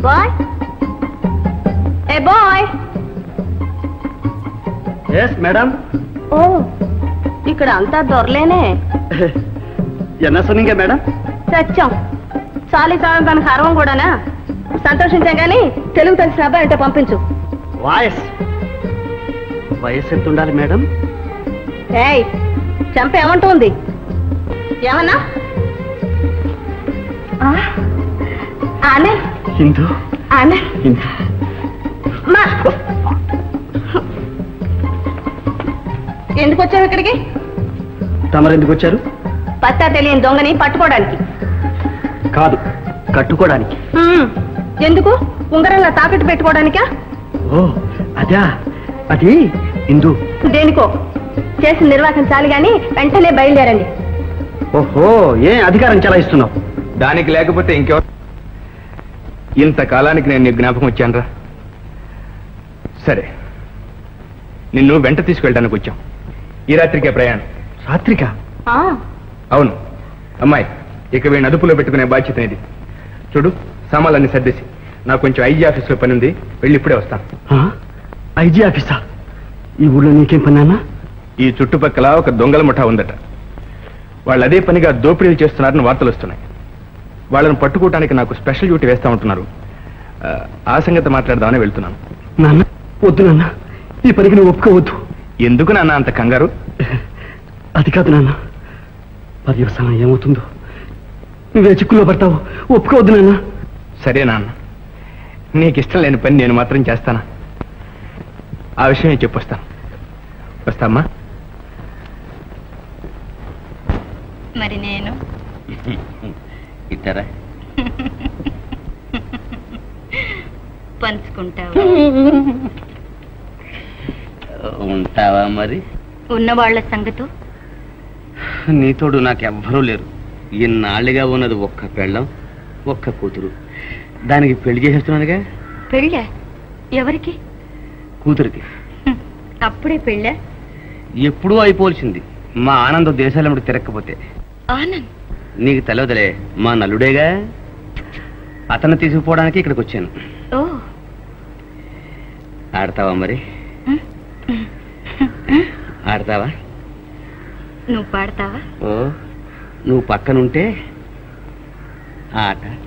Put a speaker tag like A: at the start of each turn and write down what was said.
A: Bye ఏ bye.
B: Yes madam.
A: ఓ ఇక్కడ అంతా దొరలేనే.
B: ఎన్న సునింగే మేడం.
A: సత్యం చాలీ చాలు దానికి అరవం కూడానా. సంతోషించాం కానీ తెలుగు తెలిసిన అబ్బాయి అంటే పంపించు.
B: వయసు ఎంత ఉండాలి మేడం?
A: ఏయ్ చంప ఏమంటుంది? ఏమన్నా ఆనే
B: హిందూ
A: ఆనే
B: హిందూ
A: మా ఎందుకు వచ్చావు ఇక్కడికి?
B: తమరు ఎందుకు వచ్చారు?
A: పత్తా తెలియని దొంగని పట్టుకోవడానికి
B: కాదు, కట్టుకోవడానికి.
A: ఎందుకు? ఉంగరంలో తాకట్టు పెట్టుకోవడానికా?
B: ఓ అదా, అది హిందూ.
A: దేనికో చేసి నిర్వాహించాలి గాని వెంటనే బయలుదేరండి.
B: ఓహో, ఏ అధికారం చలాయిస్తున్నావు?
C: దానికి లేకపోతే ఇంకెవరు? ఇంతకాలానికి నేను నీ జ్ఞాపకం వచ్చానరా. సరే, నిన్ను వెంట తీసుకెళ్ళడానికి వచ్చాం. ఈ రాత్రికే ప్రయాణం.
B: రాత్రికా?
C: అవును అమ్మాయి, ఇక వీడిని అదుపులో పెట్టుకునే బాధ్యత ఇది. చూడు, సామాన్లన్నీ సర్దేసి నాకు కొంచెం ఐజీ ఆఫీస్లో పని ఉంది, వెళ్ళి ఇప్పుడే వస్తాను.
B: ఐజీ ఆఫీసా? ఈ ఊళ్ళో నీకేం పని అన్నా?
C: ఈ చుట్టుపక్కల ఒక దొంగల ముఠా ఉందట. వాళ్ళు అదే పనిగా దోపిడీలు చేస్తున్నారని వార్తలు వస్తున్నాయి. వాళ్ళని పట్టుకోవడానికి నాకు స్పెషల్ డ్యూటీ వేస్తా ఉంటున్నారు. ఆ సంగతి మాట్లాడదామని వెళ్తున్నాను.
B: నాన్న వద్దు నాన్న, ఈ పనికి నువ్వు ఒప్పుకోవద్దు.
C: ఎందుకు నాన్న అంత కంగారు?
B: అది కాదు నాన్న, పర్యవసానం ఏమవుతుందో, నువ్వే చిక్కుల్లో పడతావు. ఒప్పుకోవద్దు నాన్న.
C: సరే నాన్న, నీకు ఇష్టం లేని పని నేను మాత్రం చేస్తానా? ఆ విషయం నేను చెప్పొస్తాను. వస్తామ్మా.
A: మరి నేను
D: ఇద్దరా
A: పంచుకుంటావా?
D: ఉంటావా మరి?
A: ఉన్నవాళ్ల సంగతి
D: నీతోడు నాకెవ్వరూ లేరు. ఇన్నాళ్ళుగా ఉన్నది ఒక్క పెళ్ళం, ఒక్క కూతురు. దానికి పెళ్లి చేసేస్తున్నానుగా.
A: పెళ్ళా? ఎవరికి?
D: కూతురికి.
A: అప్పుడే పెళ్ళా?
D: ఎప్పుడూ అయిపోవలసింది, మా ఆనందం దేశాలమ్మడి తిరగకపోతే.
A: ఆనంద్
D: నీకు తెలవదులే, మా నల్లుడేగా. అతను తీసుకుపోవడానికి ఇక్కడికి వచ్చాను.
A: ఓ,
D: ఆడతావా మరి? ఆడతావా?
A: నువ్వు పాడతావా?
D: ఓ, నువ్వు పక్కనుంటే ఆట.